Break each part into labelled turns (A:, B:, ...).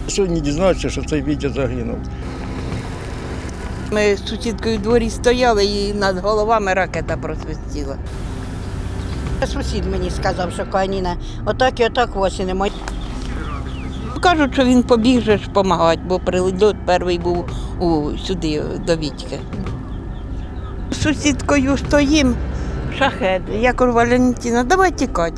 A: Сьогодні дізнався, що цей Вітя загинув.
B: Ми з сусідкою в дворі стояли і над головами ракета просвистіла.
C: Сусід мені сказав, що Каніна отак і отак осінимо.
B: Кажуть, що він побіг же ж допомагати, бо приліт перший був сюди, до Вітьки. З сусідкою стоїмо, шахет. Я кажу, Валентина, давай тікати.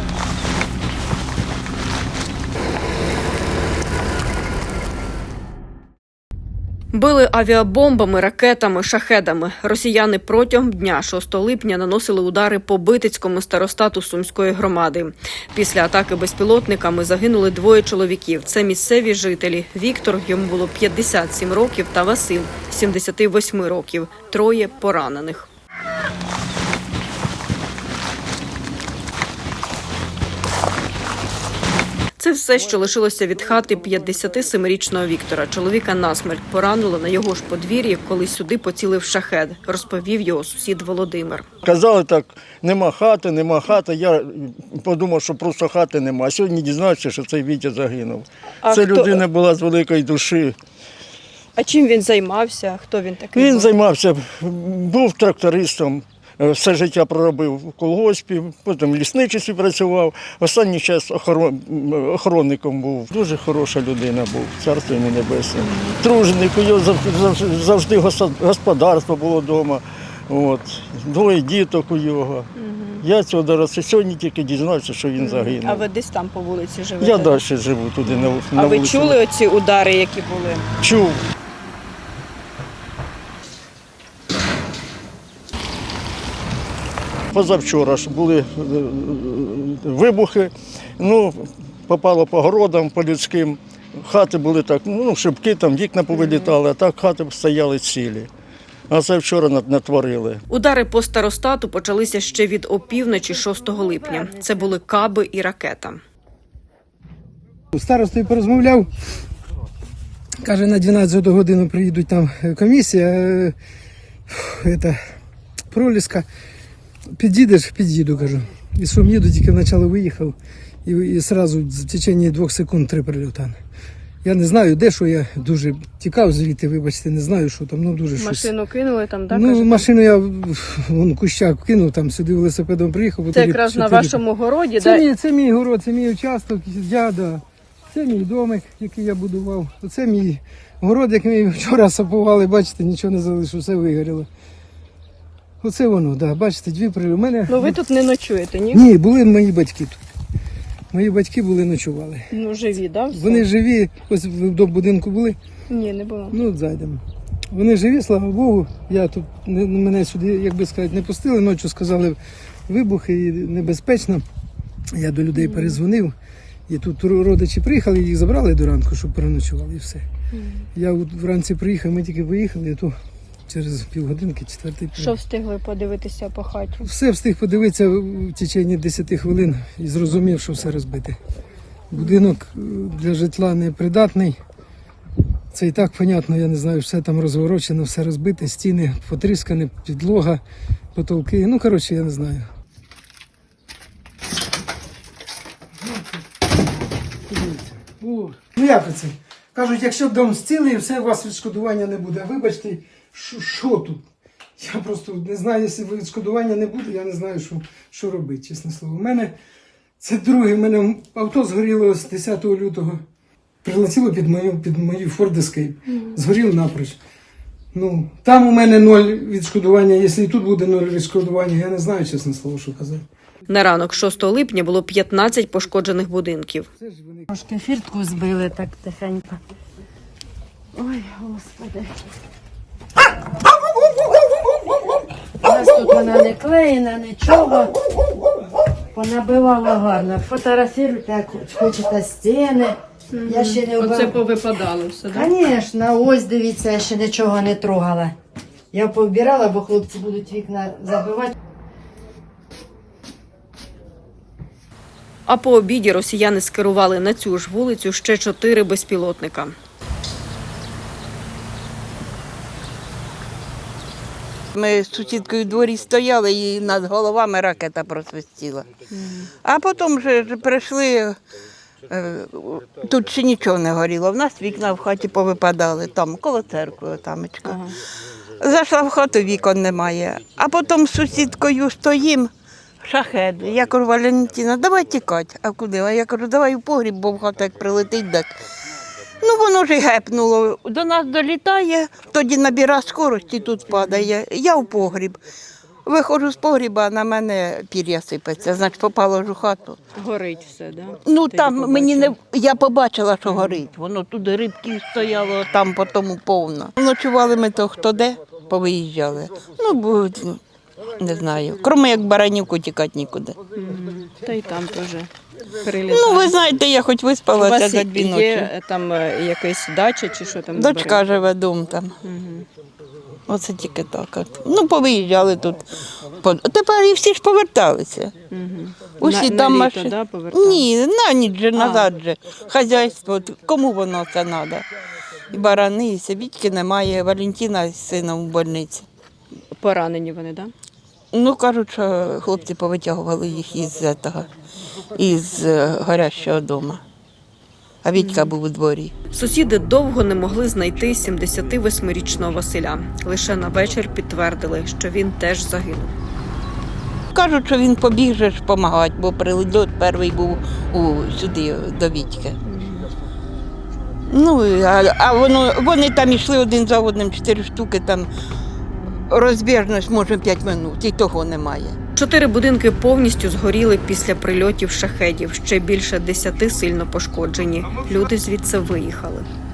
D: Били авіабомбами, ракетами, шахедами. Росіяни протягом дня 6 липня наносили удари по Битицькому старостату Сумської громади. Після атаки безпілотниками загинули 2 чоловіків. Це місцеві жителі. Віктор, йому було 57 років, та Василь, 78 років. 3 поранених. Це все, що лишилося від хати 57-річного Віктора. Чоловіка насмерть поранило на його ж подвір'ї, коли сюди поцілив шахед, розповів його сусід Володимир.
A: Казали так, нема хати. Я подумав, що просто хати нема. А сьогодні дізнався, що цей Вітя загинув. Це людина була з великої душі.
E: А чим він займався? Хто він такий?
A: Він займався, був трактористом. Все життя проробив в колгоспі, потім в лісничестві працював. Останній час охоронником був. Дуже хороша людина був, царство йому небесне. Труженик, у нього завжди господарство було вдома. 2 діток у його. Я цього доросла. Сьогодні тільки дізнався, що він загинув.
E: А ви десь там по вулиці живете?
A: Я далі живу туди на вулиці.
E: А ви чули оці удари, які були?
A: Чув. Позавчора ж були вибухи, попало по городам, по людським. Хати були так, шибки, там вікна повилітали, а так хати стояли цілі. А це вчора натворили.
D: Удари по старостату почалися ще від опівночі 6 липня. Це були каби і ракета.
F: З старостою порозмовляв, каже, на 12 годину приїдуть там комісія, проліска. Під'їдеш? Під'їду, кажу. І що їду, тільки вначале виїхав, і одразу в течение 2 секунд 3 прильоти. Я не знаю, де, що я дуже тікав звідти, вибачте, не знаю, що там, дуже щось.
E: Машину кинули там, так?
F: Машину я вон кущак кинув, там сюди велосипедом приїхав.
E: Це якраз на вашому городі,
F: так? Це мій город, це мій участок, це мій домик, який я будував. Оце мій город, який ми вчора сапували, бачите, нічого не залишилося, все вигоріло. Оце воно, так, бачите, 2 прильоти.
E: Ви тут не ночуєте, ні?
F: Ні, були мої батьки тут. Мої батьки ночували.
E: Живі, так?
F: Вони живі, ось до будинку були.
E: Ні, не було.
F: Зайдемо. Вони живі, слава Богу. Я тут, мене сюди, як би сказати, не пустили. Ночі сказали вибухи і небезпечно. Я до людей перезвонив. І тут родичі приїхали, їх забрали до ранку, щоб переночували і все. Я вранці приїхав, ми тільки виїхали, то через півгодинки, 4-й.
E: Що встигли подивитися по хаті?
F: Все встиг подивитися в течение 10 хвилин і зрозумів, що все розбите. Будинок для житла непридатний. Це і так, понятно, я не знаю, все там розворочено, все розбите, стіни потріскані, підлога, потолки. Я не знаю. Як це? Кажуть, якщо дом зцілий, все, у вас відшкодування не буде. Вибачте, що тут? Я просто не знаю, якщо відшкодування не буде, я не знаю, що робити, чесне слово. У мене це друге, в мене авто згоріло з 10 лютого. Прилетіло під мою Ford Escape. Згоріло напроч. Там у мене 0 відшкодування, якщо і тут буде 0 відшкодування, я не знаю, чесне слово, що казати.
D: На ранок 6 липня було 15 пошкоджених будинків.
C: Трошки фіртку збили так тихенько. Ой, Господи. У нас тут вона не клеєна, нічого. Понабивало гарно. Фотографіруйте, як хочете, стіни. Я ще не
E: Оце повипадало все, так?
C: Звісно, ось дивіться, я ще нічого не трогала. Я повбирала, бо хлопці будуть вікна забивати.
D: А по обіді росіяни скерували на цю ж вулицю ще 4 безпілотника.
B: Ми з сусідкою в дворі стояли і над головами ракета просвистіла. А потім вже прийшли Тут ще нічого не горіло. В нас вікна в хаті повипадали, там, коло церкви, тамочка.
E: Ага.
B: Зайшла в хату, вікон немає. А потім з сусідкою стоїм, шахед. Я кажу, Валентина, давай тікати. А куди? А я кажу, давай у погріб, бо в хату як прилетить, так. Ну, воно ж і гепнуло. До нас долітає, тоді набира скорості, тут падає. Я в погріб. Виходжу з погріба, а на мене пір'я сипеться, значить попало ж у хату.
E: Горить все, да?
B: Ну
E: Ти
B: там
E: побачила?
B: мені не я побачила, що горить. Воно туди рибків стояло, там по тому повно. Ночували ми то хто де, повиїжджали. Ну, бо не знаю. Кроме як Баранівку тікати нікуди.
E: Та й там теж прилітає.
B: Ну, ви знаєте, я хоч
E: У
B: виспалася
E: вас
B: за 2 ночі.
E: є там якась дача чи що там?
B: Дочка живе дом там. Оце тільки так. От. Ну, повиїжджали тут. Тепер і всі ж поверталися. Усі там
E: літо,
B: машини.
E: да, повертали?
B: Ні, на ніч же, назад же. Хазяйство, от кому воно це треба? І барани, і Савітьки немає, Валентина з сином в больниці.
E: Поранені вони, так? Да?
B: Ну, кажуть, що хлопці повитягували їх із горящого дому. А Вітька був у дворі.
D: Сусіди довго не могли знайти 78-річного Василя. Лише на вечір підтвердили, що він теж загинув.
B: Кажуть, що він побіг же ж допомагати, бо приліт перший був сюди, до Вітьки. Ну, а вони там йшли один за одним, 4 штуки, там розбіжність, може, 5 минут, і того немає.
D: 4 будинки повністю згоріли після прильотів шахедів. Ще більше 10 сильно пошкоджені. Люди звідси виїхали.